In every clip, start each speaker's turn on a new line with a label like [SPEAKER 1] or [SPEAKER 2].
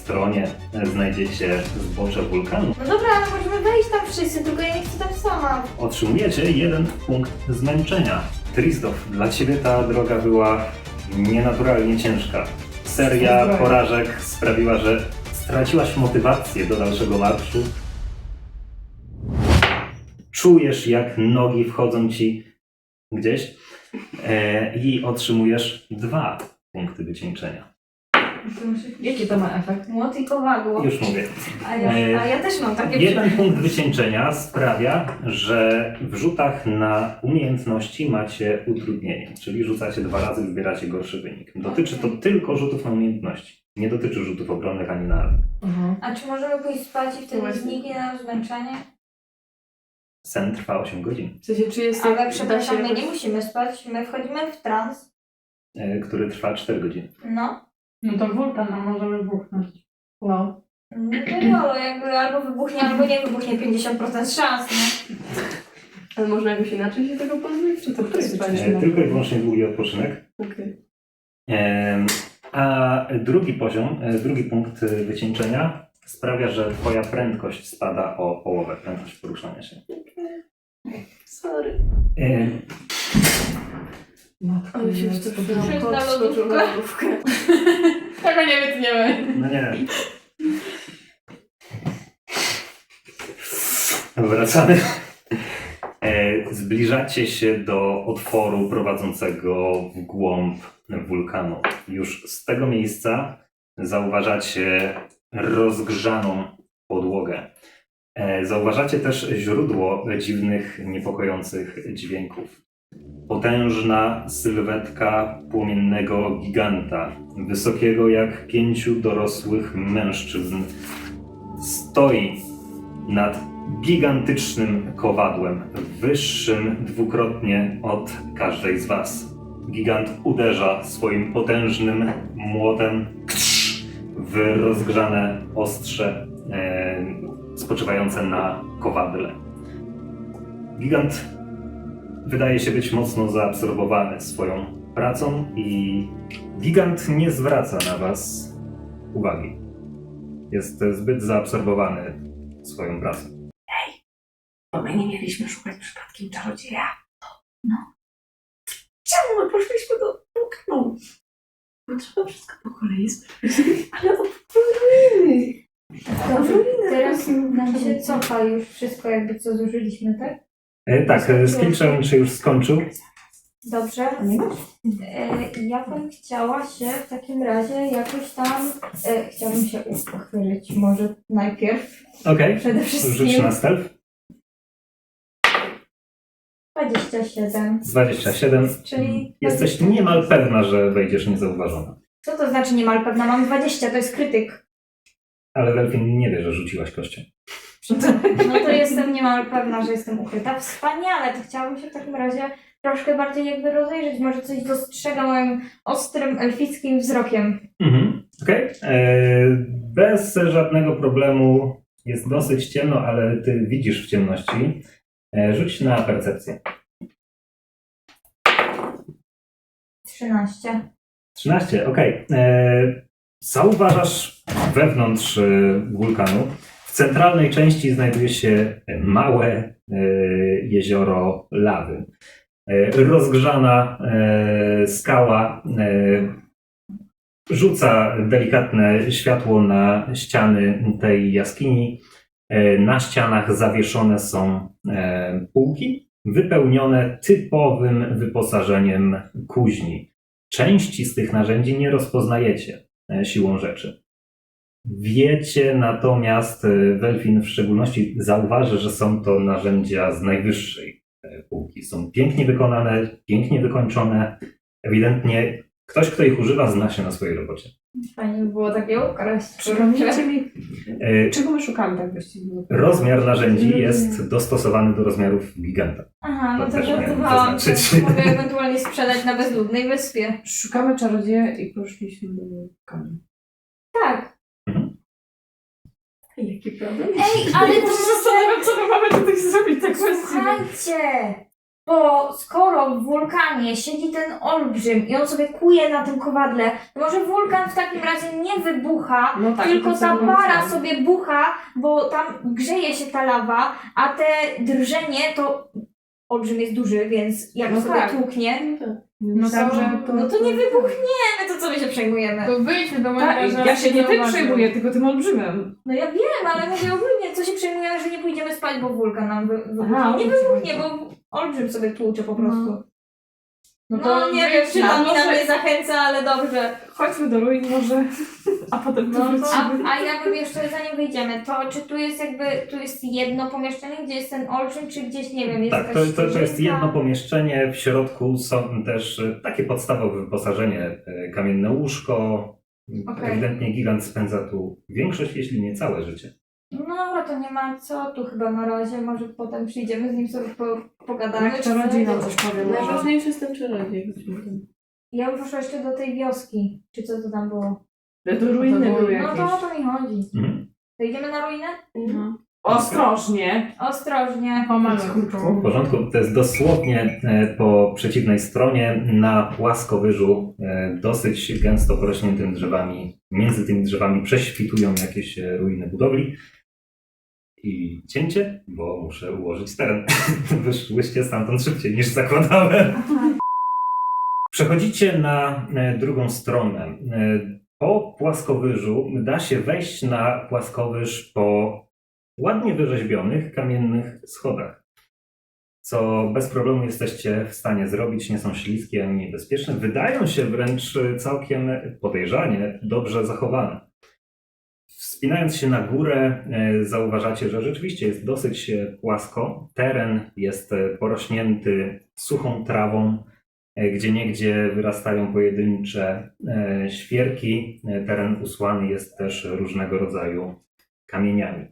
[SPEAKER 1] stronie znajdziecie zbocze wulkanu.
[SPEAKER 2] No dobra, ale możemy wejść tam wszyscy, tylko ja nie chcę tam sama.
[SPEAKER 1] Otrzymujecie 1 punkt zmęczenia. Trisdorf, dla ciebie ta droga była nienaturalnie ciężka. Seria porażek sprawiła, że straciłaś motywację do dalszego marszu. Czujesz, jak nogi wchodzą ci gdzieś i otrzymujesz 2 punkty wycieńczenia.
[SPEAKER 3] Jaki to ma efekt?
[SPEAKER 2] Młot i kowadło.
[SPEAKER 1] Już mówię.
[SPEAKER 2] A ja też mam takie
[SPEAKER 1] 1 punkt wycieńczenia sprawia, że w rzutach na umiejętności macie utrudnienie, czyli rzucacie 2 razy, wybieracie gorszy wynik. Dotyczy to tylko rzutów na umiejętności. Nie dotyczy rzutów obronnych ani na atak.
[SPEAKER 2] A czy możemy pójść spać i wtedy zniknie nam zmęczenie?
[SPEAKER 1] Sen trwa 8 godzin,
[SPEAKER 3] W sensie, czy jest
[SPEAKER 2] Ale
[SPEAKER 3] da
[SPEAKER 2] przepraszam,
[SPEAKER 3] się
[SPEAKER 2] my
[SPEAKER 3] jakoś-
[SPEAKER 2] nie musimy spać, my wchodzimy w trans.
[SPEAKER 1] który trwa 4 godziny.
[SPEAKER 2] No.
[SPEAKER 4] No to wulkan, a możemy buchnąć.
[SPEAKER 3] No.
[SPEAKER 2] No wiadomo, jakby albo wybuchnie, albo nie wybuchnie, 50% szans, nie?
[SPEAKER 3] Ale można jakoś inaczej się tego pozbyć? Czy to jest fajne?
[SPEAKER 1] Tylko i wyłącznie długi odpoczynek.
[SPEAKER 3] Okej.
[SPEAKER 1] A drugi poziom, drugi punkt wycieńczenia sprawia, że twoja prędkość spada o połowę, prędkość poruszania się.
[SPEAKER 3] Sorry.
[SPEAKER 1] E,
[SPEAKER 3] Ale się już
[SPEAKER 2] Wszyscy
[SPEAKER 3] to
[SPEAKER 2] na
[SPEAKER 3] skoczył na
[SPEAKER 2] lodówkę.
[SPEAKER 3] lodówkę.
[SPEAKER 4] Tego nie wytniemy.
[SPEAKER 1] no nie. Wracamy. Zbliżacie się do otworu prowadzącego w głąb wulkanu. Już z tego miejsca zauważacie rozgrzaną podłogę. Zauważacie też źródło dziwnych, niepokojących dźwięków. Potężna sylwetka płomiennego giganta, wysokiego jak 5 dorosłych mężczyzn, stoi nad gigantycznym kowadłem, wyższym dwukrotnie od każdej z was. Gigant uderza swoim potężnym młotem w rozgrzane ostrze spoczywające na kowadle. Gigant wydaje się być mocno zaabsorbowany swoją pracą i gigant nie zwraca na was uwagi. Jest zbyt zaabsorbowany swoją pracą.
[SPEAKER 5] Bo my nie mieliśmy szukać przypadkiem czarodzieja. No. Czemu my poszliśmy do wulkanu? Bo trzeba wszystko po kolei sprawdzić. Ale o ruiny.
[SPEAKER 2] Teraz nam się cofa już wszystko, jakby co zużyliśmy, tak?
[SPEAKER 1] Tak, skill challenge już skończył.
[SPEAKER 2] Dobrze. Ja bym chciała się w takim razie jakoś tam... chciałabym się uchwylić może najpierw.
[SPEAKER 1] Okej,
[SPEAKER 2] Przede
[SPEAKER 1] rzuć
[SPEAKER 2] wszystkim
[SPEAKER 1] na stealth.
[SPEAKER 2] 27.
[SPEAKER 1] 27.
[SPEAKER 2] Czyli...
[SPEAKER 1] Jesteś niemal pewna, że wejdziesz niezauważona.
[SPEAKER 2] Co to znaczy niemal pewna? Mam 20, to jest krytyk.
[SPEAKER 1] Ale Delfin nie wie, że rzuciłaś kością.
[SPEAKER 2] No to jestem niemal pewna, że jestem ukryta. Wspaniale, to chciałabym się w takim razie troszkę bardziej jakby rozejrzeć. Może coś dostrzega moim ostrym, elfickim wzrokiem.
[SPEAKER 1] Okej. Bez żadnego problemu jest dosyć ciemno, ale ty widzisz w ciemności. Rzuć na percepcję.
[SPEAKER 2] 13.
[SPEAKER 1] 13, okej. Zauważasz wewnątrz wulkanu. W centralnej części znajduje się małe jezioro lawy. Rozgrzana skała rzuca delikatne światło na ściany tej jaskini. Na ścianach zawieszone są półki wypełnione typowym wyposażeniem kuźni. Części z tych narzędzi nie rozpoznajecie siłą rzeczy. Wiecie natomiast, Welfin w szczególności zauważy, że są to narzędzia z najwyższej półki. Są pięknie wykonane, pięknie wykończone. Ewidentnie ktoś, kto ich używa, zna się na swojej robocie.
[SPEAKER 2] Fajnie by było takie ukraść.
[SPEAKER 4] Przypomnijcie mi, czego my szukamy tak właściwie?
[SPEAKER 1] Rozmiar narzędzi jest dostosowany do rozmiarów giganta.
[SPEAKER 2] Aha, no
[SPEAKER 1] To
[SPEAKER 2] to
[SPEAKER 1] też miałem
[SPEAKER 2] żartowałam.
[SPEAKER 1] zaznaczyć.
[SPEAKER 2] Mogę ewentualnie sprzedać na bezludnej wyspie.
[SPEAKER 4] Szukamy czarodzieja i poszliśmy do wulkanu.
[SPEAKER 2] Tak.
[SPEAKER 3] Jaki problem?
[SPEAKER 2] Ej, ale
[SPEAKER 4] Ja się zastanawiam, co my mamy tutaj zrobić tak właściwie.
[SPEAKER 2] Słuchajcie! Bo skoro w wulkanie siedzi ten olbrzym i on sobie kuje na tym kowadle, to może wulkan w takim razie nie wybucha,
[SPEAKER 4] No tak,
[SPEAKER 2] tylko
[SPEAKER 4] to
[SPEAKER 2] ta
[SPEAKER 4] co
[SPEAKER 2] para
[SPEAKER 4] było
[SPEAKER 2] sobie bucha, bo tam grzeje się ta lawa, a te drżenie to olbrzym jest duży, więc jak
[SPEAKER 4] No
[SPEAKER 2] sobie
[SPEAKER 4] tak.
[SPEAKER 2] tłuknie,
[SPEAKER 4] No także
[SPEAKER 2] no to nie wybuchniemy, to co my się przejmujemy?
[SPEAKER 4] To wyjdźmy do
[SPEAKER 5] Tak,
[SPEAKER 4] mojego
[SPEAKER 5] ja się nie tym przejmuję, tylko tym olbrzymem.
[SPEAKER 2] No ja wiem, ale mówię ogólnie, co się przejmujemy, że nie pójdziemy spać, bo wulkan nam wybuchnie.
[SPEAKER 5] Aha,
[SPEAKER 2] Nie
[SPEAKER 5] o to ci
[SPEAKER 2] wybuchnie,
[SPEAKER 5] chodzi.
[SPEAKER 2] bo olbrzym sobie tłucze po prostu.
[SPEAKER 4] No
[SPEAKER 2] nie wiem, czy
[SPEAKER 4] wyjdźmy.
[SPEAKER 2] to mi na
[SPEAKER 5] może-
[SPEAKER 2] mnie zachęca, ale dobrze.
[SPEAKER 5] Chodźmy do ruin może, a potem tu
[SPEAKER 2] No to,
[SPEAKER 5] wrócimy.
[SPEAKER 2] a ja bym jeszcze, zanim wyjdziemy, to czy tu jest tu jest jedno pomieszczenie, gdzie jest ten olbrzym, czy gdzieś, nie wiem, jest
[SPEAKER 1] Tak,
[SPEAKER 2] jakaś
[SPEAKER 1] to jest
[SPEAKER 2] ścieżynka?
[SPEAKER 1] jedno pomieszczenie. W środku są też takie podstawowe wyposażenie. Kamienne łóżko.
[SPEAKER 2] Okej.
[SPEAKER 1] Ewidentnie gigant spędza tu większość, jeśli nie całe życie.
[SPEAKER 2] No dobra, to nie ma co tu chyba na razie, może potem przyjdziemy z nim sobie pogadamy.
[SPEAKER 5] Jak
[SPEAKER 2] czy
[SPEAKER 5] czarodziej nam
[SPEAKER 2] coś.
[SPEAKER 5] coś powie. może.
[SPEAKER 3] Najważniejszy jest ten czarodziej. chodźmy tam.
[SPEAKER 2] Ja bym poszła jeszcze do tej wioski, czy co to tam było.
[SPEAKER 5] To ruiny
[SPEAKER 4] To
[SPEAKER 5] były
[SPEAKER 2] No
[SPEAKER 5] jakieś.
[SPEAKER 2] to o to mi chodzi.
[SPEAKER 1] Mhm.
[SPEAKER 2] To idziemy na ruinę?
[SPEAKER 4] No.
[SPEAKER 5] Ostrożnie.
[SPEAKER 2] Ostrożnie.
[SPEAKER 1] W porządku, to jest dosłownie po przeciwnej stronie na płaskowyżu, dosyć gęsto porośniętym drzewami. Między tymi drzewami prześwitują jakieś ruiny budowli. I cięcie, bo muszę ułożyć teren. Wyszłyście stamtąd szybciej niż zakładałem. Przechodzicie na drugą stronę. Po płaskowyżu da się wejść na płaskowyż po ładnie wyrzeźbionych kamiennych schodach, co bez problemu jesteście w stanie zrobić, nie są śliskie ani niebezpieczne, wydają się wręcz całkiem podejrzanie dobrze zachowane. Wspinając się na górę, zauważacie, że rzeczywiście jest dosyć płasko. Teren jest porośnięty suchą trawą, gdzieniegdzie wyrastają pojedyncze świerki. Teren usłany jest też różnego rodzaju kamieniami.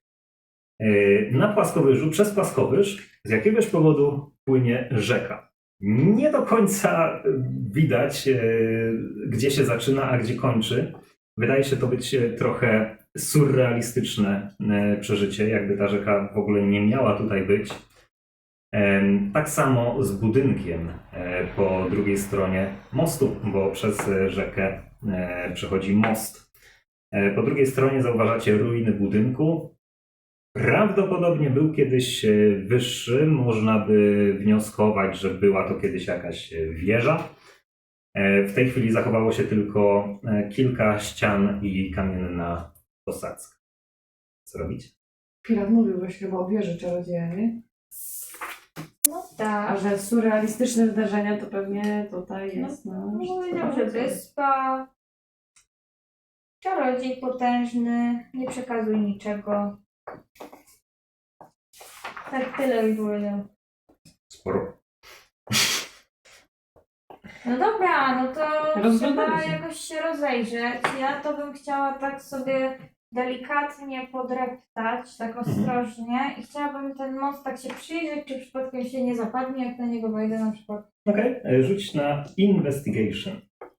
[SPEAKER 1] Na płaskowyżu, przez płaskowyż z jakiegoś powodu płynie rzeka. Nie do końca widać, gdzie się zaczyna, a gdzie kończy. Wydaje się to być trochę surrealistyczne przeżycie, jakby ta rzeka w ogóle nie miała tutaj być. Tak samo z budynkiem po drugiej stronie mostu, bo przez rzekę przechodzi most. Po drugiej stronie zauważacie ruiny budynku. Prawdopodobnie był kiedyś wyższy, można by wnioskować, że była to kiedyś jakaś wieża. W tej chwili zachowało się tylko kilka ścian i kamienna posadzka. Co robić?
[SPEAKER 5] Pirat mówił właśnie chyba o wieży czarodzieja, nie?
[SPEAKER 2] No
[SPEAKER 5] A
[SPEAKER 2] tak.
[SPEAKER 5] że surrealistyczne wydarzenia to pewnie tutaj jest. No,
[SPEAKER 2] Powiedział, że wyspa. Czarodziej potężny, nie przekazuj niczego. Tak tyle mi powiedział.
[SPEAKER 1] Sporo.
[SPEAKER 2] No dobra, no to
[SPEAKER 5] Rozglądamy
[SPEAKER 2] trzeba
[SPEAKER 5] się.
[SPEAKER 2] jakoś się rozejrzeć. Ja to bym chciała tak sobie delikatnie podreptać, tak ostrożnie i chciałabym ten most tak się przyjrzeć, czy przypadkiem się nie zapadnie, jak na niego wejdę na przykład.
[SPEAKER 1] Okej, rzuć na investigation.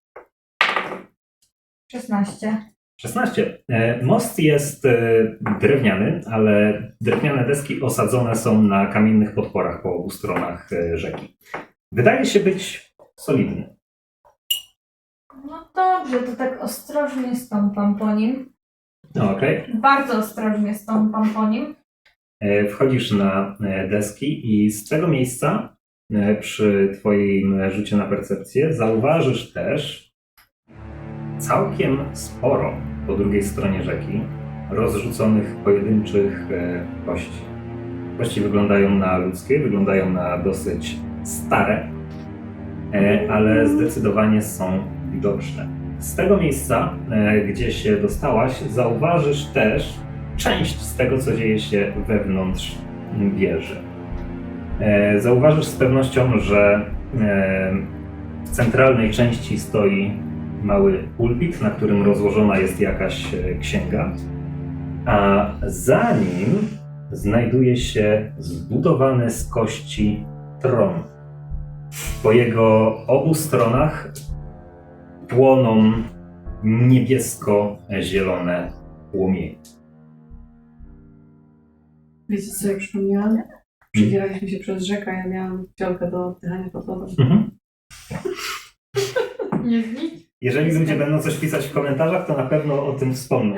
[SPEAKER 2] 16.
[SPEAKER 1] 16. Most jest drewniany, ale drewniane deski osadzone są na kamiennych podporach po obu stronach rzeki. Wydaje się być solidny.
[SPEAKER 2] No dobrze, to tak ostrożnie stąpam po nim.
[SPEAKER 1] Okej.
[SPEAKER 2] Bardzo ostrożnie stąpam po nim.
[SPEAKER 1] Wchodzisz na deski i z tego miejsca przy twoim rzucie na percepcję zauważysz też całkiem sporo po drugiej stronie rzeki rozrzuconych pojedynczych kości. Kości wyglądają na ludzkie, wyglądają na dosyć stare, ale zdecydowanie są widoczne. Z tego miejsca, gdzie się dostałaś, zauważysz też część z tego, co dzieje się wewnątrz wieży. Zauważysz z pewnością, że w centralnej części stoi mały pulpit, na którym rozłożona jest jakaś księga, a za nim znajduje się zbudowany z kości tron. Po jego obu stronach płoną niebiesko-zielone płomienie.
[SPEAKER 5] Wiecie co, jak przypomniałam?
[SPEAKER 3] Przedzieraliśmy się przez rzekę, ja miałam fiolkę do oddychania pod wodą.
[SPEAKER 1] Mhm.
[SPEAKER 4] Nie znicz.
[SPEAKER 1] Jeżeli ludzie będą coś pisać w komentarzach, to na pewno o tym wspomną.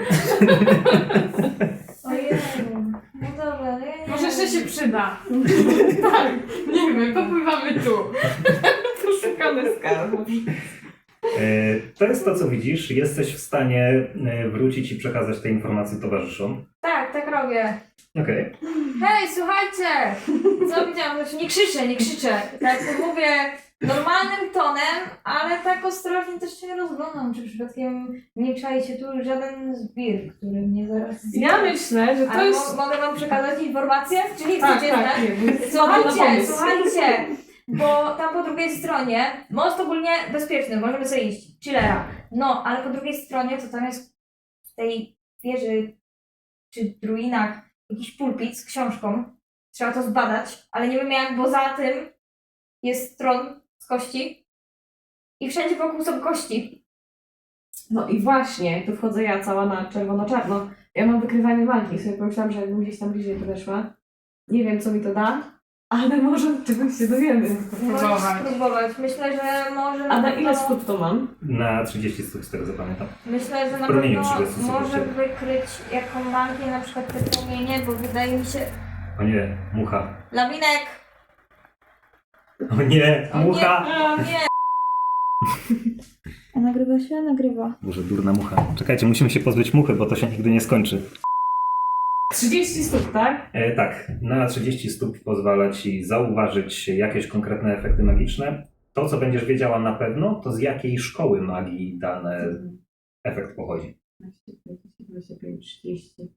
[SPEAKER 2] Ojej. No dobra, no ja nie
[SPEAKER 4] Może jeszcze
[SPEAKER 2] wiem.
[SPEAKER 4] się przyda. Tak, nie wiem, popływamy tu.
[SPEAKER 3] Poszukane skarbów.
[SPEAKER 1] To jest to, co widzisz. Jesteś w stanie wrócić i przekazać te informacje towarzyszom.
[SPEAKER 2] Tak, tak robię.
[SPEAKER 1] Okej.
[SPEAKER 2] Hej, słuchajcie! Co widziałam? Znaczy nie krzyczę. Tak mówię normalnym tonem, ale tak ostrożnie też się rozglądam, czy przypadkiem nie czai się tu żaden zbir, który mnie zaraz zje.
[SPEAKER 3] Ja myślę, że to
[SPEAKER 2] Ale
[SPEAKER 3] jest...
[SPEAKER 2] mogę wam przekazać informację? Czy nie
[SPEAKER 3] Tak,
[SPEAKER 2] chcecie
[SPEAKER 3] tak,
[SPEAKER 2] znać?
[SPEAKER 3] nie, bo spadam na pomysł.
[SPEAKER 2] Słuchajcie, bo tam po drugiej stronie, most ogólnie bezpieczny, możemy sobie iść, chillera. No, ale po drugiej stronie to tam jest w tej wieży, czy ruinach, jakiś pulpit z książką. Trzeba to zbadać, ale nie wiem jak, bo za tym jest tron z kości i wszędzie wokół są kości.
[SPEAKER 3] No i właśnie, tu wchodzę ja cała na czerwono-czarno. Ja mam wykrywanie magii, sobie pomyślałam, że jakbym gdzieś tam bliżej podeszła. Nie wiem, co mi to da, ale może czegoś się dowiemy.
[SPEAKER 2] Możesz spróbować. Myślę, że może
[SPEAKER 3] A na
[SPEAKER 2] pewno-
[SPEAKER 3] ile stóp to mam?
[SPEAKER 1] Na 30 stóp, z tego zapamiętam.
[SPEAKER 2] Myślę, że na
[SPEAKER 1] Promieniu
[SPEAKER 2] pewno
[SPEAKER 1] 30 sekund
[SPEAKER 2] może
[SPEAKER 1] ciebie.
[SPEAKER 2] wykryć jaką magię, na przykład te promienie, bo wydaje mi się...
[SPEAKER 1] O nie, mucha.
[SPEAKER 2] Lawinek!
[SPEAKER 1] O nie,
[SPEAKER 2] O nie,
[SPEAKER 1] mucha!
[SPEAKER 2] o nie! A nagrywa się? Nagrywa.
[SPEAKER 1] Boże, durna mucha. Czekajcie, musimy się pozbyć muchy, bo to się nigdy nie skończy.
[SPEAKER 3] 30 stóp, tak?
[SPEAKER 1] Tak, na 30 stóp pozwala Ci zauważyć jakieś konkretne efekty magiczne. To, co będziesz wiedziała na pewno, to z jakiej szkoły magii dany efekt pochodzi.
[SPEAKER 3] 25, 30.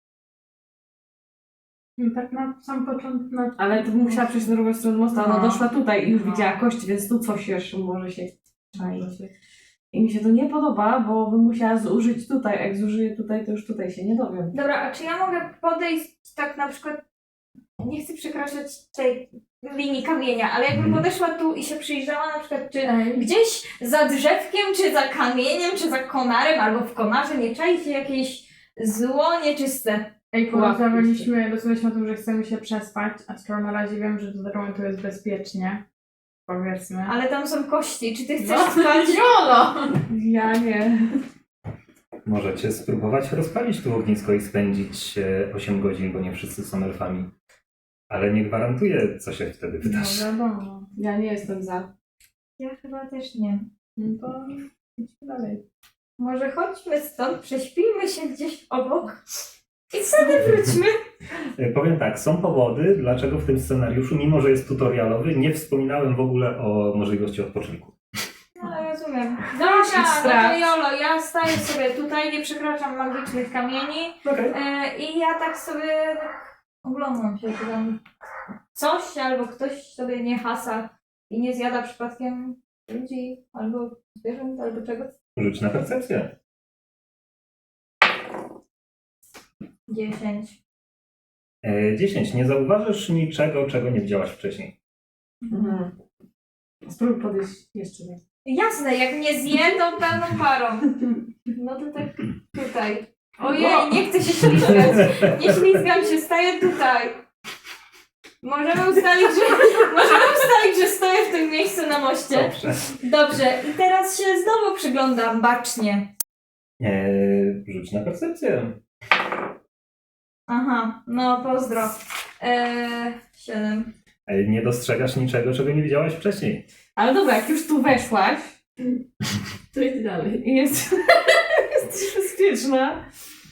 [SPEAKER 4] Tak na sam początek. Na...
[SPEAKER 3] Ale to musiała przejść na drugą stronę mostu, ona
[SPEAKER 4] No.
[SPEAKER 3] doszła tutaj i już
[SPEAKER 4] No.
[SPEAKER 3] widziała kości, więc tu coś jeszcze może się czaić. I mi się to nie podoba, bo bym musiała zużyć tutaj, a jak zużyję tutaj, to już tutaj się nie dowiem.
[SPEAKER 2] Dobra, a czy ja mogę podejść tak na przykład... Nie chcę przekraczać tej linii kamienia, ale jakbym podeszła tu i się przyjrzała na przykład, czy gdzieś za drzewkiem, czy za kamieniem, czy za konarem, albo w konarze nie czai się jakieś zło nieczyste.
[SPEAKER 4] Ej, decydowaliśmy o tym, że chcemy się przespać, a skoro na razie wiem, że do tego momentu jest bezpiecznie, powiedzmy.
[SPEAKER 2] Ale tam są kości, czy ty chcesz
[SPEAKER 4] No.
[SPEAKER 2] spać?
[SPEAKER 4] Jolo!
[SPEAKER 3] Ja nie.
[SPEAKER 1] Możecie spróbować rozpalić tu ognisko i spędzić 8 godzin, bo nie wszyscy są elfami. Ale nie gwarantuję, co się wtedy
[SPEAKER 4] No
[SPEAKER 1] wydarzy.
[SPEAKER 4] wiadomo.
[SPEAKER 3] Ja nie jestem za.
[SPEAKER 2] Ja chyba też nie.
[SPEAKER 4] No to idźmy dalej.
[SPEAKER 2] Może chodźmy stąd, prześpijmy się gdzieś obok i wtedy wróćmy.
[SPEAKER 1] Powiem tak, są powody, dlaczego w tym scenariuszu, mimo że jest tutorialowy, nie wspominałem w ogóle o możliwości odpoczynku.
[SPEAKER 2] No rozumiem.
[SPEAKER 3] Idź
[SPEAKER 2] Dobra, no to
[SPEAKER 3] sprawdź.
[SPEAKER 2] Jolo, ja staję sobie tutaj, nie przekraczam magicznych kamieni i ja tak sobie tak oglądam się, czy tam coś albo ktoś sobie nie hasa i nie zjada przypadkiem ludzi albo zwierząt albo czegoś.
[SPEAKER 1] Rzuć na percepcję.
[SPEAKER 2] 10.
[SPEAKER 1] 10. Nie zauważysz niczego, czego nie widziałaś wcześniej.
[SPEAKER 3] Mhm. Spróbuj podejść jeszcze raz.
[SPEAKER 2] Jasne, jak mnie zje, to pełną parą. No to tak tutaj. Ojej, nie chcę się ślizgać. Nie ślizgam się, staję tutaj. Możemy ustalić, że stoję w tym miejscu na moście.
[SPEAKER 1] Dobrze.
[SPEAKER 2] Dobrze, i teraz się znowu przyglądam bacznie.
[SPEAKER 1] Rzuć na percepcję.
[SPEAKER 2] Aha, no pozdro. 7.
[SPEAKER 1] Nie dostrzegasz niczego, czego nie widziałaś wcześniej.
[SPEAKER 3] Ale dobra, jak już tu weszłaś, to idź dalej. I jesteś bezpieczna.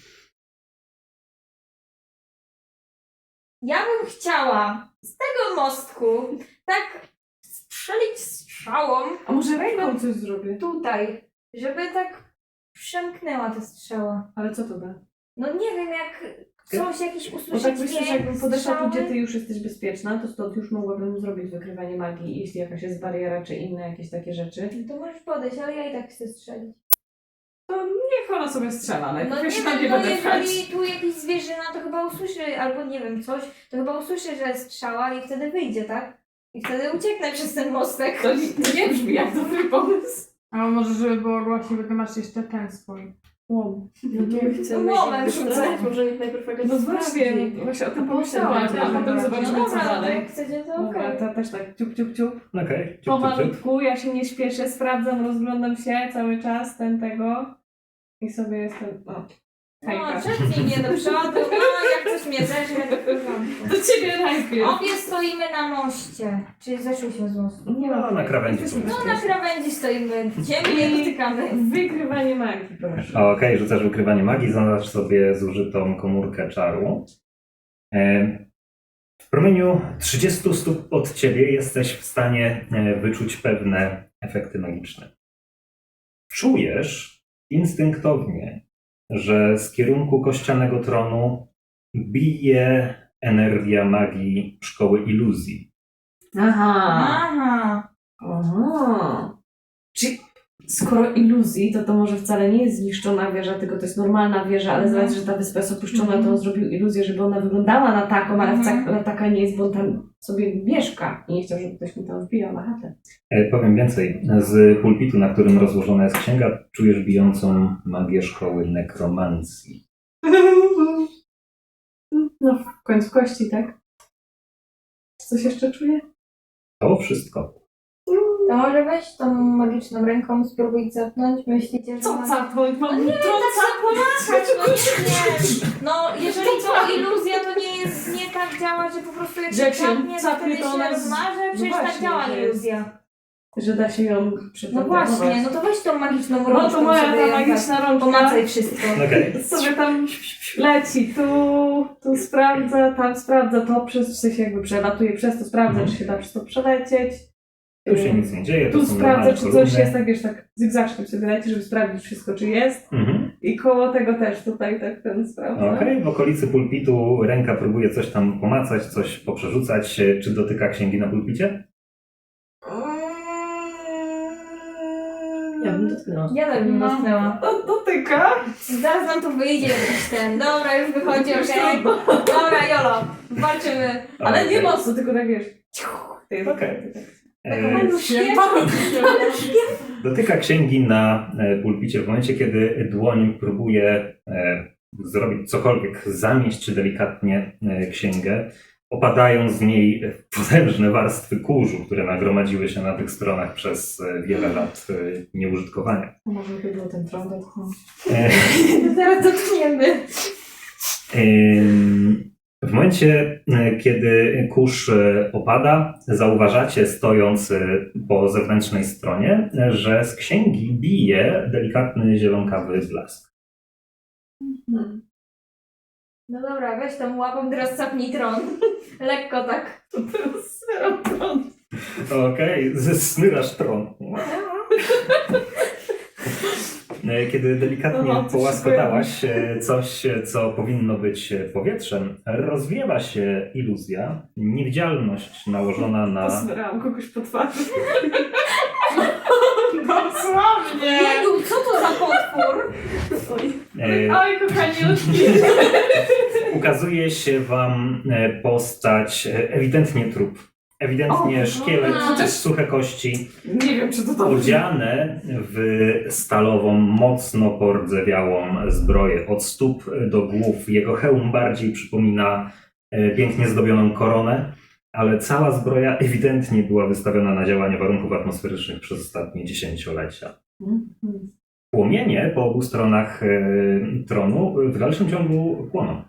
[SPEAKER 2] Ja bym chciała z tego mostku tak strzelić strzałą
[SPEAKER 3] A może ręką coś zrobię?
[SPEAKER 2] tutaj, żeby tak przemknęła ta strzała.
[SPEAKER 3] Ale co to da?
[SPEAKER 2] No nie wiem, jak coś, jakiś
[SPEAKER 3] Bo
[SPEAKER 2] usłyszeć
[SPEAKER 3] tak myślę, że jakbym podeszła tu,
[SPEAKER 2] strzały.
[SPEAKER 3] gdzie ty już jesteś bezpieczna, to stąd już mogłabym zrobić wykrywanie magii, jeśli jakaś jest bariera, czy inne jakieś takie rzeczy.
[SPEAKER 2] To możesz podejść, ale ja i tak chcę strzelić.
[SPEAKER 3] To niech ona sobie strzela,
[SPEAKER 2] No
[SPEAKER 3] najpierw
[SPEAKER 2] nie
[SPEAKER 3] się tam nie
[SPEAKER 2] wiem, no
[SPEAKER 3] będę pchać.
[SPEAKER 2] jeżeli tu jakiś zwierzyna, to chyba usłyszy, albo nie wiem, coś, to chyba usłyszy, że strzała i wtedy wyjdzie, tak? I wtedy ucieknę przez ten mostek.
[SPEAKER 3] To nie brzmi jak dobry pomysł.
[SPEAKER 4] A może żeby było głośniej, bo ty masz jeszcze ten swój.
[SPEAKER 3] Łom.
[SPEAKER 2] Łomem rzucać.
[SPEAKER 5] Może niech najpierw jakaś
[SPEAKER 3] No
[SPEAKER 5] sprawdzi.
[SPEAKER 3] właśnie, właśnie o tym pomyślałam, a potem
[SPEAKER 2] No
[SPEAKER 3] zobaczymy, co
[SPEAKER 2] dobra, no to
[SPEAKER 3] dalej.
[SPEAKER 2] jak chcecie, to
[SPEAKER 3] Dobra,
[SPEAKER 2] okej.
[SPEAKER 3] to też tak ciup, ciup, ciup.
[SPEAKER 1] Okej, ciup, ciup, ciup.
[SPEAKER 3] Pomalutku, ja się nie śpieszę, sprawdzam, rozglądam się cały czas, tego. I sobie jestem, o,
[SPEAKER 2] No,
[SPEAKER 3] hejka.
[SPEAKER 2] szybciej mnie do przodu, no jak coś mnie zeżre, to w porządku.
[SPEAKER 3] Do ciebie najpierw.
[SPEAKER 2] Obie stoimy na moście. Czyli zeszłyśmy z mostu.
[SPEAKER 3] Nie
[SPEAKER 1] No, na krawędzi
[SPEAKER 3] Jesteśmy
[SPEAKER 1] są.
[SPEAKER 2] No na krawędzi stoimy, ziemi nie dotykamy.
[SPEAKER 3] Wykrywanie magii, proszę.
[SPEAKER 1] Okej, rzucasz wykrywanie magii, zaznacz sobie zużytą komórkę czaru. W promieniu 30 stóp od ciebie jesteś w stanie wyczuć pewne efekty magiczne. Czujesz instynktownie, że z kierunku kościanego tronu bije energia magii szkoły iluzji.
[SPEAKER 3] Aha.
[SPEAKER 2] Aha.
[SPEAKER 3] Aha. Czyli skoro iluzji, to może wcale nie jest zniszczona wieża, tylko to jest normalna wieża, ale z racji, że ta wyspa jest opuszczona, to on zrobił iluzję, żeby ona wyglądała na taką, ale wcale taka nie jest, bo on tam sobie mieszka i nie chciał, żeby ktoś mu tam wbijał na chatę.
[SPEAKER 1] Powiem więcej. Z pulpitu, na którym rozłożona jest księga, czujesz bijącą magię szkoły nekromancji.
[SPEAKER 3] No, w końcu kości, tak? Coś jeszcze czuję?
[SPEAKER 1] To wszystko.
[SPEAKER 2] To może weź tą magiczną ręką, spróbuj capnąć. Myślicie, że...
[SPEAKER 3] Co capnąć? Mam
[SPEAKER 2] Nie,
[SPEAKER 3] trąca
[SPEAKER 2] tak no nie. No jeżeli to iluzja, to nie tak działa, że po prostu jak
[SPEAKER 3] Że jak
[SPEAKER 2] się
[SPEAKER 3] się
[SPEAKER 2] capnie, to
[SPEAKER 3] capnie,
[SPEAKER 2] wtedy
[SPEAKER 3] to
[SPEAKER 2] się
[SPEAKER 3] ona jest-
[SPEAKER 2] rozmaże. Przecież
[SPEAKER 3] No
[SPEAKER 2] tak
[SPEAKER 3] właśnie,
[SPEAKER 2] działa
[SPEAKER 3] że jest-
[SPEAKER 2] iluzja.
[SPEAKER 3] że da się ją
[SPEAKER 2] No
[SPEAKER 3] przetransformować.
[SPEAKER 2] właśnie, no to weź tą magiczną rączką
[SPEAKER 3] No to moja
[SPEAKER 2] sobie
[SPEAKER 3] ta
[SPEAKER 2] ją
[SPEAKER 3] magiczna
[SPEAKER 2] tak
[SPEAKER 3] rączka
[SPEAKER 2] pomacaj wszystko.
[SPEAKER 1] Okej.
[SPEAKER 3] sobie tam leci, tu sprawdza, tam sprawdza, to w sensie jakby przelatuje przez to, sprawdza, czy się da przez to przelecieć.
[SPEAKER 1] Tu się nic nie dzieje, to
[SPEAKER 3] Tu
[SPEAKER 1] są
[SPEAKER 3] sprawdza,
[SPEAKER 1] normalne
[SPEAKER 3] czy coś
[SPEAKER 1] kolumny.
[SPEAKER 3] jest, tak wiesz, tak zygzaczkiem sobie leci, żeby sprawdzić wszystko, czy jest.
[SPEAKER 1] Mhm.
[SPEAKER 3] I koło tego też tutaj tak ten sprawdza.
[SPEAKER 1] Okej, w okolicy pulpitu ręka próbuje coś tam pomacać, coś poprzerzucać. Czy dotyka księgi na pulpicie?
[SPEAKER 3] Ja bym dotknęła.
[SPEAKER 2] Ja tak bym
[SPEAKER 3] No.
[SPEAKER 2] dotknęła.
[SPEAKER 3] Dotyka?
[SPEAKER 2] Zaraz nam tu wyjdzie jakiś ten. Dobra, już wychodzi, okej. Dobra, Jolo, walczymy.
[SPEAKER 3] Ale nie
[SPEAKER 1] Okej.
[SPEAKER 3] mocno, tylko tak wiesz.
[SPEAKER 1] Okej.
[SPEAKER 2] Taką świetną.
[SPEAKER 1] Dotyka księgi na pulpicie w momencie, kiedy dłoń próbuje zrobić cokolwiek, zamieść czy delikatnie księgę. Opadają z niej potężne warstwy kurzu, które nagromadziły się na tych stronach przez wiele lat nieużytkowania.
[SPEAKER 3] Może by było ten tron dotknąć.
[SPEAKER 2] Zaraz dotkniemy.
[SPEAKER 1] W momencie, kiedy kurz opada, zauważacie, stojąc po zewnętrznej stronie, że z księgi bije delikatny zielonkawy blask.
[SPEAKER 2] No dobra, weź tą łapą, teraz capnij tron. Lekko tak.
[SPEAKER 3] To teraz zero tron.
[SPEAKER 1] Okej, zesmyrasz tron. Kiedy delikatnie
[SPEAKER 3] No, coś
[SPEAKER 1] połaskotałaś coś, co powinno być powietrzem, rozwiewa się iluzja, niewidzialność nałożona na...
[SPEAKER 3] Posmerałam kogoś po twarzy. Dosłownie!
[SPEAKER 2] Jedu, co to za potwór?
[SPEAKER 3] Oj, kochaniutki.
[SPEAKER 1] Ukazuje się wam postać, ewidentnie trup. Ewidentnie
[SPEAKER 3] O,
[SPEAKER 1] szkielet,
[SPEAKER 2] no.
[SPEAKER 1] suche kości,
[SPEAKER 3] Nie wiem, czy to dobrze.
[SPEAKER 1] odziane w stalową, mocno pordzewiałą zbroję. Od stóp do głów. Jego hełm bardziej przypomina pięknie zdobioną koronę, ale cała zbroja ewidentnie była wystawiona na działanie warunków atmosferycznych przez ostatnie dziesięciolecia. Płomienie po obu stronach tronu w dalszym ciągu płoną.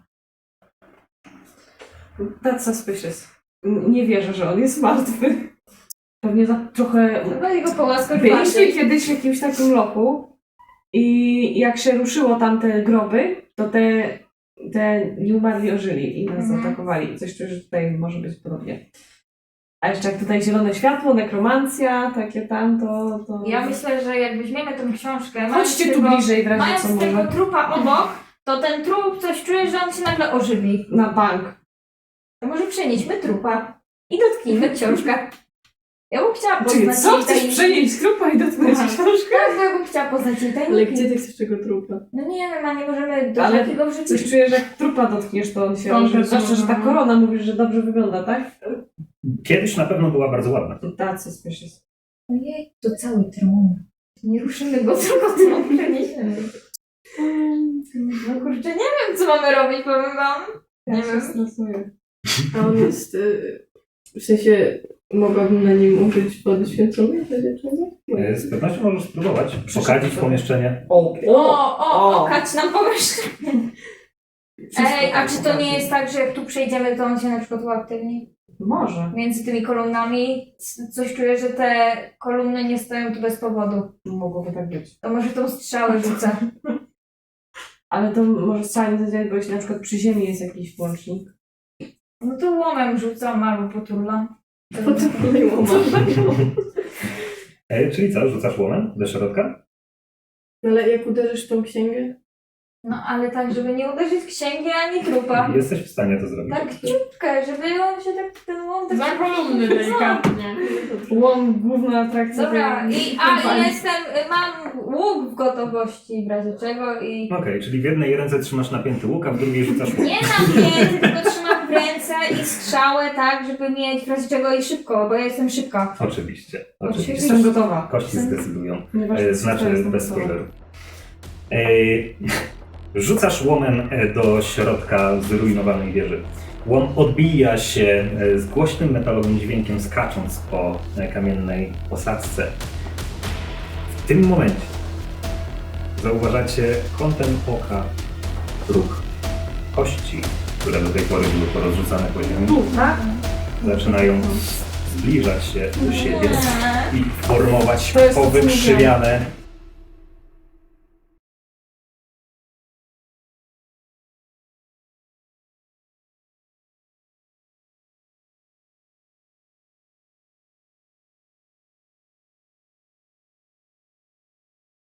[SPEAKER 3] That's suspicious. Nie wierzę, że on jest martwy. Pewnie za trochę...
[SPEAKER 2] Chyba jego połaskać
[SPEAKER 3] Byliśmy kiedyś w jakimś takim lochu i jak się ruszyło tam te groby, to te nieumarli ożyli i nas zaatakowali. Coś czuję, że tutaj może być podobnie. A jeszcze jak tutaj zielone światło, nekromancja, takie tam, to...
[SPEAKER 2] Ja myślę, że jak weźmiemy tą książkę,
[SPEAKER 3] Chodźcie tu bliżej w razie
[SPEAKER 2] mając
[SPEAKER 3] co
[SPEAKER 2] tego
[SPEAKER 3] może.
[SPEAKER 2] trupa obok, to ten trup coś czuje, że on się nagle ożywi.
[SPEAKER 3] Na bank.
[SPEAKER 2] To może przenieśmy trupa i dotknijmy książkę. Ja bym chciała
[SPEAKER 3] Czyli
[SPEAKER 2] poznać
[SPEAKER 3] co?
[SPEAKER 2] jej
[SPEAKER 3] Chcesz
[SPEAKER 2] tajniki.
[SPEAKER 3] przenieść trupa i dotknąć
[SPEAKER 2] Aha.
[SPEAKER 3] książkę?
[SPEAKER 2] Tak, bo ja bym chciała poznać jej
[SPEAKER 5] Ale
[SPEAKER 2] tajniki.
[SPEAKER 5] gdzie ty chcesz tego trupa?
[SPEAKER 2] No nie wiem, a nie możemy do
[SPEAKER 3] Ale
[SPEAKER 2] takiego wrzucić.
[SPEAKER 3] Coś czuję, że jak trupa dotkniesz, to on się
[SPEAKER 4] On
[SPEAKER 3] ożywi.
[SPEAKER 4] też
[SPEAKER 3] Zwłaszcza, że ta
[SPEAKER 4] może.
[SPEAKER 3] korona mówisz, że dobrze wygląda, tak?
[SPEAKER 1] Kiedyś na pewno była bardzo ładna.
[SPEAKER 3] To tacy suspicious.
[SPEAKER 2] Ojej, to cały tron. Nie ruszymy go, tylko tron przeniesiemy. No kurczę, nie wiem, co mamy robić, powiem wam.
[SPEAKER 3] Ja
[SPEAKER 2] Nie
[SPEAKER 3] się
[SPEAKER 2] wiem.
[SPEAKER 3] stresuję.
[SPEAKER 5] A on jest, w sensie, mogłabym na nim użyć wody święconej do dziewczyny?
[SPEAKER 1] Z pewnością możesz spróbować okadzić pomieszczenie.
[SPEAKER 2] Okać nam pomieszczenie. Ej, a czy to nie jest tak, że jak tu przejdziemy, to on się na przykład uaktywni?
[SPEAKER 3] Może.
[SPEAKER 2] Między tymi kolumnami coś czuję, że te kolumny nie stoją tu bez powodu.
[SPEAKER 3] Mogłoby tak być.
[SPEAKER 2] To może tą strzałę rzucę.
[SPEAKER 3] Ale to może wcale nie zadziałać, bo jeśli na przykład przy ziemi jest jakiś włącznik.
[SPEAKER 2] No to łomem rzucam albo poturlam.
[SPEAKER 5] Potem kolejną
[SPEAKER 1] Czyli co, rzucasz łomem do środka?
[SPEAKER 5] Ale jak uderzysz w tą księgę?
[SPEAKER 2] No ale tak, żeby nie uderzyć w księgi ani trupa.
[SPEAKER 1] Jesteś w stanie to zrobić.
[SPEAKER 2] Tak ciutkę, żeby on się tak, ten łom tak...
[SPEAKER 4] Za kolumny delikatnie.
[SPEAKER 3] Łom, główna atrakcja.
[SPEAKER 2] Dobra,
[SPEAKER 3] tej
[SPEAKER 2] i
[SPEAKER 3] kampanii.
[SPEAKER 2] mam łuk w gotowości w razie czego i...
[SPEAKER 1] Okej, czyli w jednej ręce trzymasz napięty łuk, a w drugiej rzucasz łuk.
[SPEAKER 2] Nie napięty, tylko trzymam w ręce i strzałę tak, żeby mieć w razie czego i szybko, bo ja jestem szybka.
[SPEAKER 1] Oczywiście.
[SPEAKER 3] Jestem gotowa.
[SPEAKER 1] Kości zdecydują.
[SPEAKER 3] Nieważne, co to
[SPEAKER 1] Znaczy
[SPEAKER 3] jest,
[SPEAKER 1] bez
[SPEAKER 3] gotowa.
[SPEAKER 1] spoileru. Rzucasz łomem do środka zrujnowanej wieży. Łom odbija się z głośnym metalowym dźwiękiem, skacząc po kamiennej posadzce. W tym momencie zauważacie kątem oka róg. Kości, które do tej pory były porozrzucane po ziemi,
[SPEAKER 3] Tak?
[SPEAKER 1] zaczynają zbliżać się do siebie i formować
[SPEAKER 3] To jest to, co
[SPEAKER 1] powykrzywiane